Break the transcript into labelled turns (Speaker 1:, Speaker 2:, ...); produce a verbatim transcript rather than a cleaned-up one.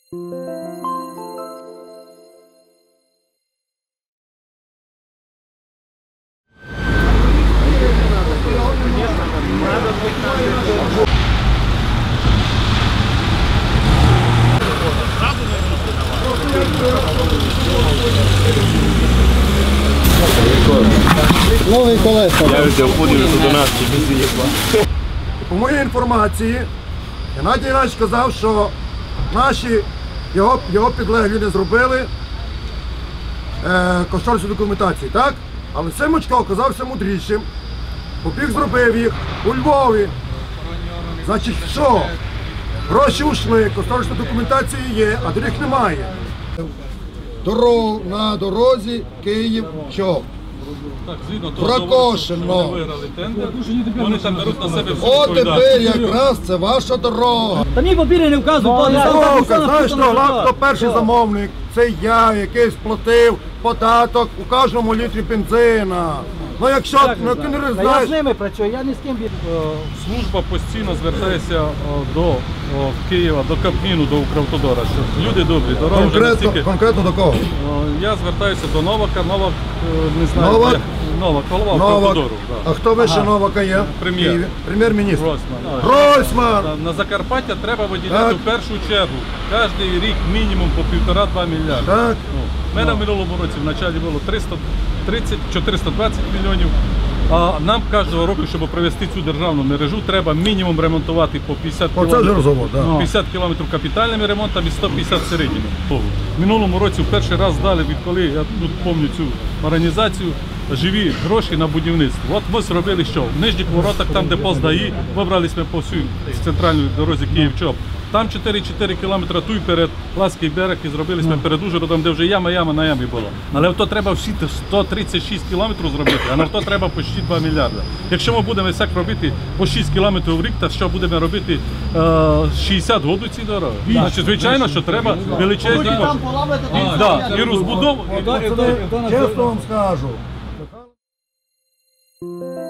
Speaker 1: Нові колеса.
Speaker 2: Я вже входив до нас, чи не з'їхала.
Speaker 3: По моїй інформації, Геннадій Геннадійович сказав, що наші, його, його підлеглі не зробили е, кошторисну документацію, так? Але Семочко оказався мудрішим, побіг зробив їх у Львові. Значить, що? Гроші ушли, кошторисна документація є, а доріг немає. Дорог, на дорозі Київ-Чоп.
Speaker 4: Так, згідно того,
Speaker 3: Прокошено.
Speaker 4: вони виграли тендер, вони там беруть на себе всю
Speaker 3: О, тепер
Speaker 4: відповідальність.
Speaker 3: якраз це ваша дорога.
Speaker 1: Та ні, папіри не вказують, пане
Speaker 3: Дорога, знаєш, що, хто перший замовник? Це я, який сплатив податок у кожному літрі бензина. Ну якщо ну, ти не
Speaker 1: Я з
Speaker 3: знаєш,
Speaker 1: ними працюю, я ні з ким.
Speaker 4: Служба постійно звертається о, до о, Києва, до Кабміну, до Укравтодора, що люди добрі, дорога вже
Speaker 3: конкретно,
Speaker 4: настільки...
Speaker 3: конкретно до кого?
Speaker 4: О, Я звертаюся до Новака, Новак, е, не знаю,
Speaker 3: Новак?
Speaker 4: де- Новак, голова
Speaker 3: Новак.
Speaker 4: Укравтодору.
Speaker 3: А хто вище Новака є?
Speaker 4: Прем'єр.
Speaker 3: В Києві? Прем'єр-міністр.
Speaker 4: Гройсман.
Speaker 3: Гройсман!
Speaker 4: На Закарпаття треба виділяти
Speaker 3: Так.
Speaker 4: в першу чергу кожен рік мінімум по півтора-два мільярди.
Speaker 3: Так.
Speaker 4: Ну, в мене в минулому році в началі було триста тридцять - чотириста двадцять мільйонів. А нам кожного року, щоб провести цю державну мережу, треба мінімум ремонтувати по п'ятдесят
Speaker 3: Оце вже
Speaker 4: кілометрів.
Speaker 3: розговор, так.
Speaker 4: п'ятдесят кілометрів капітальними ремонтами і сто п'ятдесят середніми. В минулому році в перший раз дали, відколи я тут пам'ятаю цю організацію, живі гроші на будівництво. От ми зробили що? В нижніх воротах, там де пост ДАІ, вибрались ми по всій центральній дорозі Київ-Чоп. Там чотири-чотири кілометри тут перед Ласький берег і зробили ми перед Ужгородом, де вже яма-яма на ямі була. Але то треба всі сто тридцять шість кілометрів зробити, а на то треба почти два мільярди. Якщо ми будемо так робити по шість кілометрів в рік, то що будемо робити е, шістдесят років ці дороги? Значить, звичайно, що треба величезні кошти. І, да, і розбудову.
Speaker 3: Чесно вам скажу.